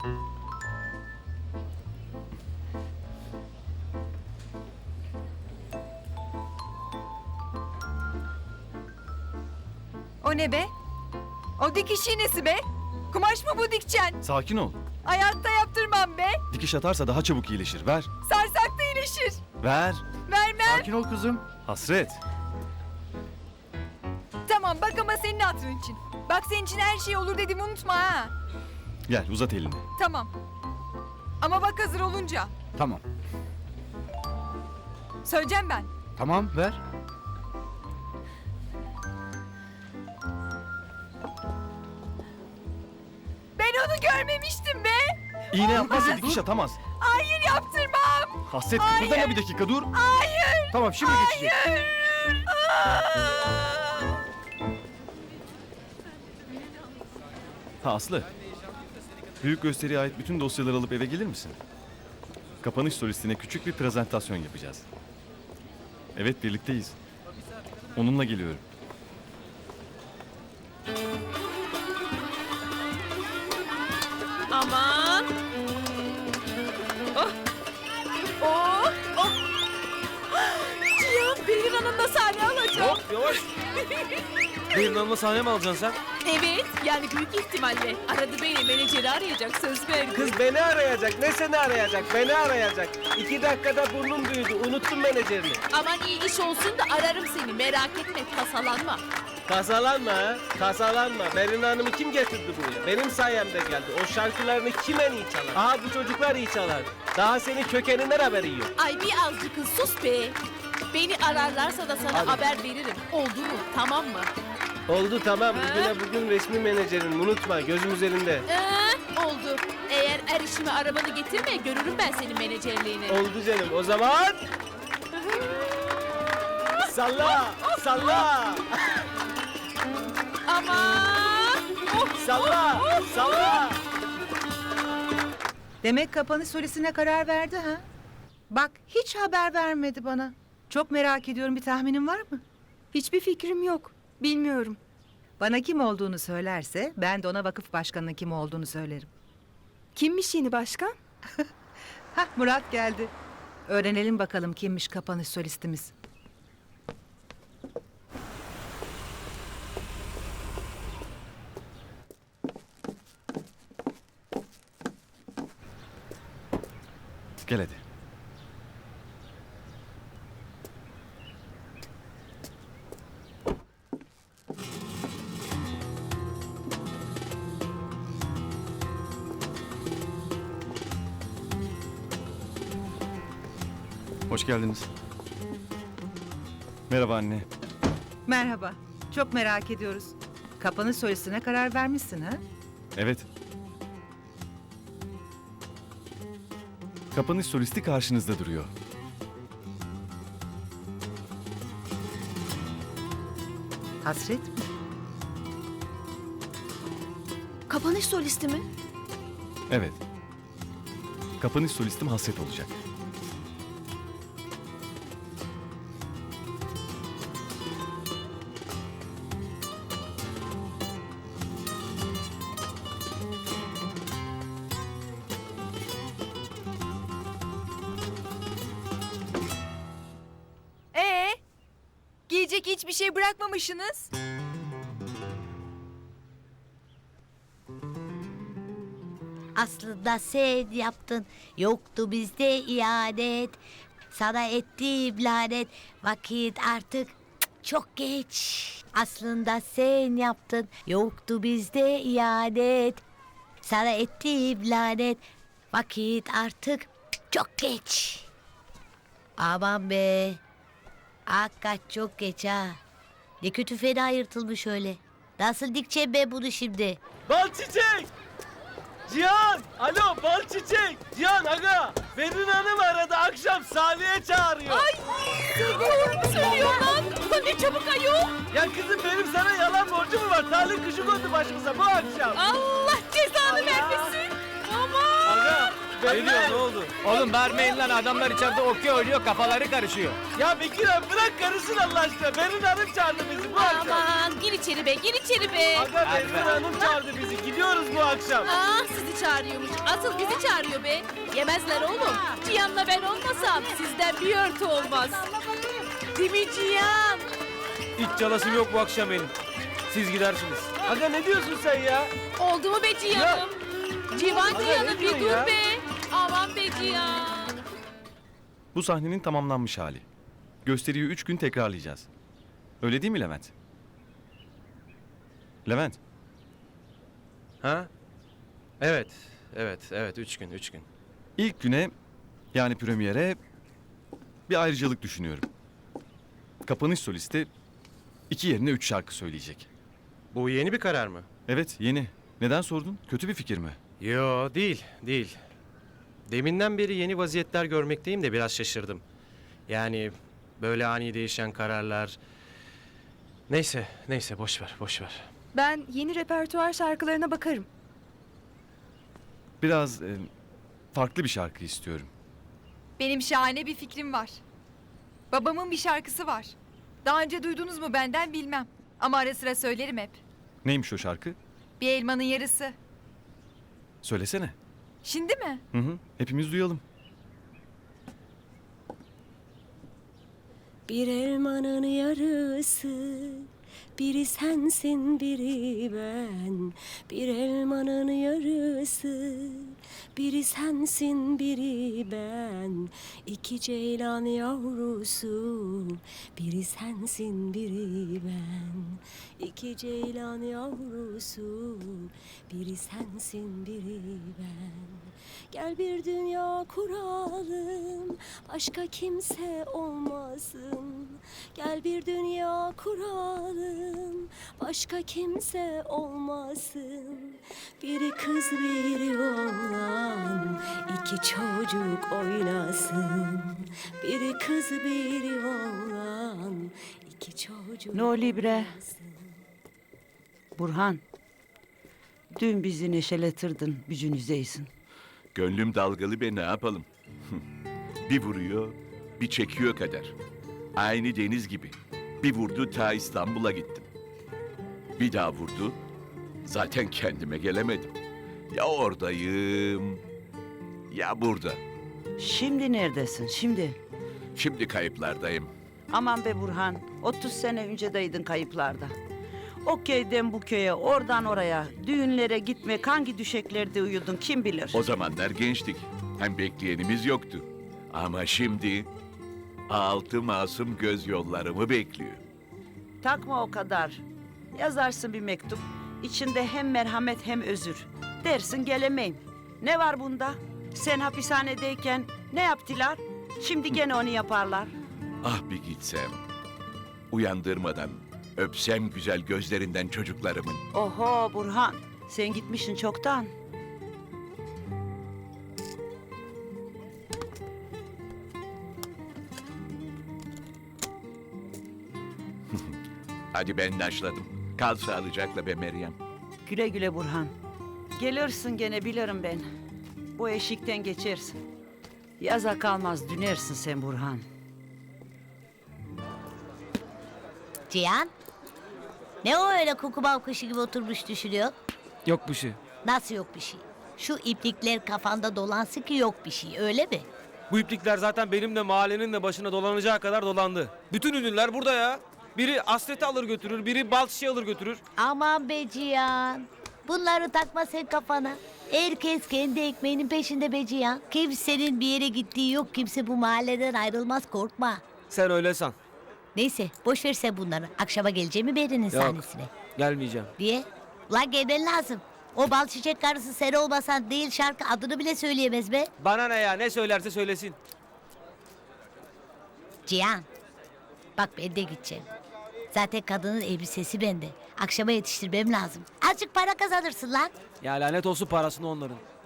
O ne be? O dikiş iğnesi be. Kumaş mı bu dikçen? Sakin ol. Hayatta yaptırmam be. Dikiş atarsa daha çabuk iyileşir. Ver. Sarsak da iyileşir. Ver. Vermem. Sakin ol kızım. Hasret. Tamam bak ama senin hatırın için. Bak senin için her şey olur dedim unutma ha. Gel uzat elini. Tamam. Ama bak hazır olunca. Tamam. Söyleyeceğim ben. Tamam ver. Ben onu görmemiştim be. İğne yapmazsa dikiş atamaz. Hayır yaptırmam. Hasret Hayır. kıpırdama bir dakika dur. Hayır. Tamam şimdi geçecek. Hayır. Ha Aslı. Büyük gösteriye ait bütün dosyaları alıp eve gelir misin? Kapanış solistine küçük bir prezentasyon yapacağız. Evet birlikteyiz. Onunla geliyorum. Aman. Oh. Oh. Oh. Cihan Berin Hanım'la sahne alacağım. Hop yavaş. Benim Hanım'la sahne mi alacaksın sen? Evet, yani büyük ihtimalle. Aradı beni, menajeri arayacak, söz verdi. Kız beni arayacak. Ne seni arayacak? Beni arayacak. 2 dakikada burnum büyüdü. Unuttum menajerini. Aman iyi iş olsun da ararım seni, merak etme, tasalanma. Kasalanma ha. Kasalanma. Berin Hanım'ı kim getirdi buraya? Benim sayemde geldi. O şarkılarını kim en iyi çalar? Aha bu çocuklar iyi çalar. Daha senin kökeninden haberi yok. Ay bir azıcık kız sus be. Beni ararlarsa da sana Hadi. haber veririm. Oldu mu? Tamam mı? Oldu tamam. Bugün resmi menajerin. Unutma. Gözüm üzerinde. Oldu. Eğer er işime arabanı getirme, görürüm ben senin menajerliğini. Oldu canım. O zaman... Salla! Salla! Aman! Oh, Salla! Salla! Demek kapanış solistine karar verdi ha? Bak hiç haber vermedi bana. Çok merak ediyorum, bir tahminin var mı? Hiçbir fikrim yok. Bilmiyorum. Bana kim olduğunu söylerse ben de ona vakıf başkanının kim olduğunu söylerim. Kimmiş yeni başkan? Hah Murat geldi. Öğrenelim bakalım kimmiş kapanış solistimiz. Gel hadi. Hoş geldiniz. Merhaba anne. Merhaba. Çok merak ediyoruz. Kapanış solistine karar vermişsin ha? Evet. Kapanış solisti karşınızda duruyor. Hasret mi? Kapanış solisti mi? Evet. Kapanış solistim Hasret olacak. Giyecek hiçbir şey bırakmamışsınız. Aslında sen yaptın, yoktu bizde ihanet. Sana ettiğim lanet, vakit artık çok geç. Aslında sen yaptın, yoktu bizde ihanet. Sana ettiğim lanet, vakit artık çok geç. Aman be, hakikaten çok geç ha. Ne kötü fena yırtılmış öyle. Nasıl dikeceğim ben bunu şimdi? Bal çiçek! Cihan! Alo bal çiçek! Cihan aga! Berin Hanım aradı akşam sahneye çağırıyor. Ay! Doğru mu söylüyor lan? Ulan ne çabuk ayol! Ya kızım benim sana yalan borcum mu var? Talih kuşu kondu başımıza bu akşam. Allah cezanı vermesin! Aman! Aga! Ne diyor, ne oldu? Oğlum vermeyin lan, adamlar içeride okey oynuyor, kafaları karışıyor. Ya Bekir abi bırak karısın Allah aşkına. Berin Hanım çağırdı bizi bu akşam. Aman gir içeri be, gir içeri be! Aga Hadi Berin be. Hanım çağırdı bizi. Gidiyoruz bu akşam. Ah sizi çağırıyormuş. Asıl bizi çağırıyor be. Yemezler oğlum. Cihan'la ben olmasam sizden bir örtü olmaz. Değil mi Cihan? İç çalasım yok bu akşam benim. Siz gidersiniz. Aga ne diyorsun sen ya? Oldu mu be Cihan'ım? Civan Aga, Cihan'ım ne bir diyorsun dur ya? be. Aman be Cihan. Bu sahnenin tamamlanmış hali. Gösteriyi 3 gün tekrarlayacağız. Öyle değil mi Levent? Levent, Ha? Evet. Evet. 3 gün. ilk güne yani premiere bir ayrıcalık düşünüyorum. Kapanış solisti 2 yerine 3 şarkı söyleyecek. Bu yeni bir karar mı? Evet, yeni. Neden sordun? Kötü bir fikir mi? Yo, değil. Deminden beri yeni vaziyetler görmekteyim de biraz şaşırdım. Yani böyle ani değişen kararlar... Neyse, boş ver. Ben yeni repertuar şarkılarına bakarım. Biraz farklı bir şarkı istiyorum. Benim şahane bir fikrim var. Babamın bir şarkısı var. Daha önce duydunuz mu benden bilmem. Ama ara sıra söylerim hep. Neymiş o şarkı? Bir elmanın yarısı. Söylesene. Şimdi mi? Hı, hepimiz duyalım. Bir elmanın yarısı, biri sensin biri ben. Bir elmanın yarısı, biri sensin biri ben. İki ceylan yavrusu, biri sensin biri ben. İki ceylan yavrusu, biri sensin biri ben. Gel bir dünya kuralım, başka kimse olmasın. Gel bir dünya kuralım, başka kimse olmasın. Biri kız biri oğlan, iki çocuk oynasın. Biri kız biri oğlan, iki çocuk No libre. oynasın. Burhan, dün bizi neşeletirdin, gücünüzdeysin. Gönlüm dalgalı be ne yapalım? Bir vuruyor, bir çekiyor kader. Aynı deniz gibi. Bir vurdu ta İstanbul'a gittim. Bir daha vurdu, zaten kendime gelemedim. Ya oradayım, ya burada. Şimdi neredesin, şimdi? Şimdi kayıplardayım. Aman be Burhan, 30 sene öncedeydin kayıplarda. O köyden bu köye, oradan oraya, düğünlere gitmek, hangi düşeklerde uyudun kim bilir? O zamanlar gençtik, hem bekleyenimiz yoktu. Ama şimdi altı masum göz yollarımı bekliyor. Takma o kadar. Yazarsın bir mektup, içinde hem merhamet hem özür. Dersin gelemeyim. Ne var bunda? Sen hapishanedeyken ne yaptılar? Şimdi gene onu yaparlar. Ah bir gitsem, uyandırmadan öpsem güzel gözlerinden çocuklarımın. Oho Burhan, sen gitmişsin çoktan. Hadi ben naşladım. Kal sağlıcakla be Meryem. Güle güle Burhan. Gelirsin gene bilirim ben. Bu eşikten geçersin. Yaza kalmaz dönersin sen Burhan. Cihan? Ne o öyle kukubav kuşu gibi oturmuş düşünüyor? Yok bir şey. Nasıl yok bir şey? Şu iplikler kafanda dolansın ki yok bir şey öyle mi? Bu iplikler zaten benim de mahallenin de başına dolanacağı kadar dolandı. Bütün ünlüler burada ya. Biri Asret'i alır götürür, biri bal çiçeği alır götürür. Aman be Cihan. Bunları takma sen kafana. Herkes kendi ekmeğinin peşinde be Cihan. Kimsenin bir yere gittiği yok. Kimse bu mahalleden ayrılmaz korkma. Sen öyle san. Neyse boş ver sen bunları. Akşama geleceğimi Beri'nin Yok. sahnesine. Gelmeyeceğim. Diye. Ulan gelmen lazım. O bal çiçek karısı sen olmasan değil şarkı adını bile söyleyemez be. Bana ne ya, ne söylerse söylesin. Cihan. Bak ben de gideceğim. Zaten kadının elbisesi bende. Akşama yetiştirmem lazım. Azıcık para kazanırsın lan. Ya lanet olsun parasını onların.